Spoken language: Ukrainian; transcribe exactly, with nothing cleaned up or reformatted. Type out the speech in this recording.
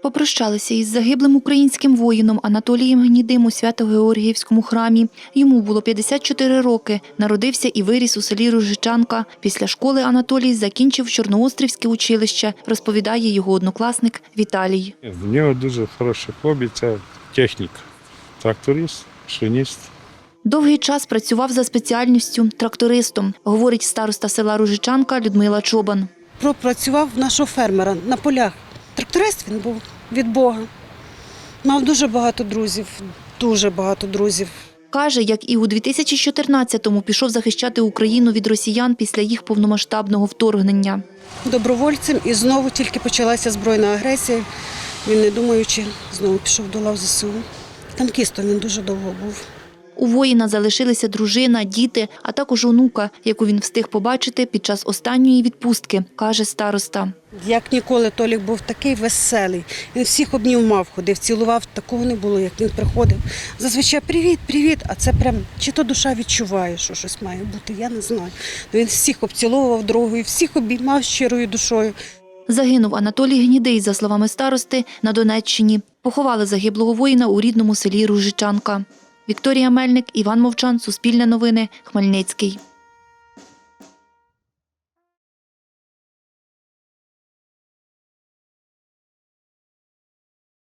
Попрощалися із загиблим українським воїном Анатолієм Гнідим у Свято-Георгіївському храмі. Йому було п'ятдесят чотири роки. Народився і виріс у селі Ружичанка. Після школи Анатолій закінчив Чорноострівське училище, розповідає його однокласник Віталій. В нього дуже хороше хобі – це техніка. Тракторист, шиніст. Довгий час працював за спеціальністю трактористом, говорить староста села Ружичанка Людмила Чобан. Пропрацював нашого фермера на полях. Тракторист він був від Бога. Мав дуже багато друзів, дуже багато друзів. Каже, як і у дві тисячі чотирнадцятому пішов захищати Україну від росіян після їх повномасштабного вторгнення. Добровольцем і знову тільки почалася збройна агресія. Він, не думаючи, знову пішов до лав ЗСУ. Танкістом він дуже довго був. У воїна залишилися дружина, діти, а також онука, яку він встиг побачити під час останньої відпустки, каже староста. Як ніколи Толік був такий веселий. Він всіх обнімав, ходив, цілував. Такого не було, як він приходив. Зазвичай привіт, привіт, а це прям, чи то душа відчуває, що щось має бути, я не знаю. Він всіх обціловував дорогою, всіх обіймав щирою душою. Загинув Анатолій Гнідий, за словами старости, на Донеччині. Поховали загиблого воїна у рідному селі Ружичанка. Вікторія Мельник, Іван Мовчан, Суспільне новини, Хмельницький.